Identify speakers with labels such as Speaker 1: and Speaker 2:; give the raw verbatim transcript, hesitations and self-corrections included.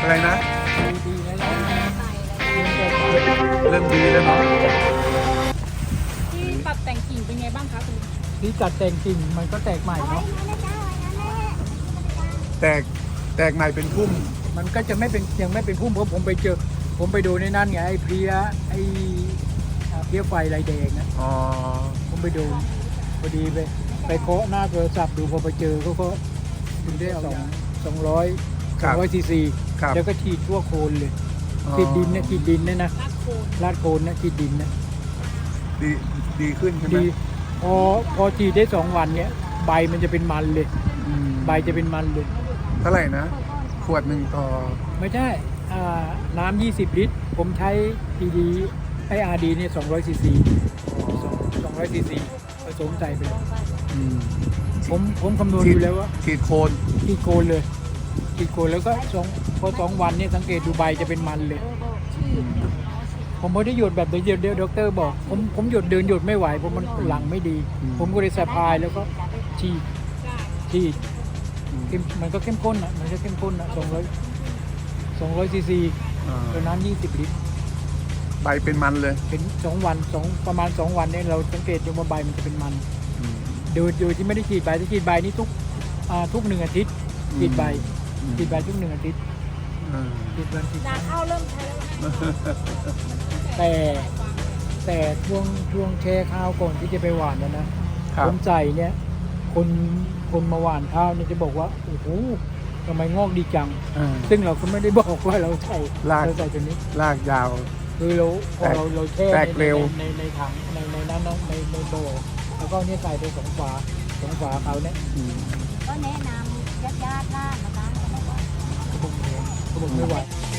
Speaker 1: อะไรนะ
Speaker 2: ดีดีแล้วนะ
Speaker 1: เริ่มดีแล้วเนาะ
Speaker 3: ที่ปรับแต่งกิ่งเป็นไงบ้างคะคุณลุง
Speaker 2: ที่จัดแต่งกิ่งมันก็แตกใหม่เนาะ
Speaker 1: แตกแตกใหม่เป็นพุ่ม
Speaker 2: มันก็จะไม่เป็นยังไม่เป็นพุ่มเพราะผมไปเจอผมไปดูในนั้นไงไอ้เพลี้ยไอ้อ่าเพลี้ยไฟลายแดงนะ
Speaker 1: อ๋อ
Speaker 2: ผมไปดูพอดีไปไปเคาะหน้าโทรศัพท์ดูพอไปเจอเขาก็ถึงได้สองสองร้อยสองร้อยซีซีแล้วก็ฉีดทั่วโคนเลยฉีดดินนะฉีดดินเนี่ยนะ
Speaker 3: ลากโคน
Speaker 2: ลาดโคนนะฉีดดินนะ
Speaker 1: ดีดีขึ้นใช่ไหม
Speaker 2: ดีพอพอฉีดได้สองวันเนี่ยใบมันจะเป็นมันเลย
Speaker 1: อืม
Speaker 2: ใบจะเป็นมันเลย
Speaker 1: เท่าไหร่นะ ขวดหนึ่งต่อ
Speaker 2: ไม่ใช่อ่าน้ำยี่สิบลิตรผมใช้ทีดีไออาร์ดีเนี่ยสองร้อยซีซีสองร้อยซีซีผสมใส่ไปเลย
Speaker 1: อืม
Speaker 2: ผมผมคำนวณ
Speaker 1: ฉีด
Speaker 2: ดูแล้วว่า
Speaker 1: ฉีดโคน
Speaker 2: ฉีดโคนเลยฉีดโคนแล้วก็สองพอสองวันเนี่ยสังเกตดูใบจะเป็นมันเลย ผมไม่ได้หยดแบบเดียวเดียวด็อกเตอร์บอกผมผมหยดเดินหยดไม่ไหวเพราะมันหลังไม่ดี ผมก็เลยสะพายแล้วก็ฉีดฉีดเข้มมันก็เข้มข้นอ่ะมันก็เข้มข้นอ่ะสองร้อยสองร้อยซีซี
Speaker 1: อ่า
Speaker 2: ตัวน้ำยี่สิบลิตร
Speaker 1: ใบเป็นมันเลย
Speaker 2: เป็นสองวันสองประมาณสองวันเนี่ยเราสังเกตดูว่าใบมันจะเป็นมัน
Speaker 1: อืม
Speaker 2: โดยโดยที่ไม่ได้ฉีดใบที่ฉีดใบนี่ทุกอ่าทุกหนึ่งอาทิตย์ฉีดใบ
Speaker 1: อืม
Speaker 2: ฉีดใบทุกหนึ่งอาทิตย์
Speaker 1: อ่า
Speaker 2: ฉีดวันฉีด
Speaker 3: นาข้าวเริ่มใช้แล้วนะ
Speaker 2: แต่แต่ช่วงช่วงแช่ข้าวก่อนที่จะไปหว่านนะนะครับ ผมใส่เนี่ยคนคนมาหว่านข้าวเนี่ยจะบอกว่าโอ้โหทำไมงอกดีจัง
Speaker 1: อ่า
Speaker 2: ซึ่งเราก็ไม่ได้บอกว่าเราใส่
Speaker 1: ราก
Speaker 2: เราใส่ตัวนี้
Speaker 1: ลากยาว
Speaker 2: คือเราพอเราเราแช่
Speaker 1: แตก
Speaker 2: ใน
Speaker 1: เร็ว
Speaker 2: ในในถังในในนั้นนะในในโบแล้วก็เนี่ยใส่ไปสองฝาสองฝาเขาเนี่ย
Speaker 1: อืม
Speaker 3: ก็แนะนำญาติญาติล่านะคะ
Speaker 2: เขาบอกเขาบอกไม่ไหว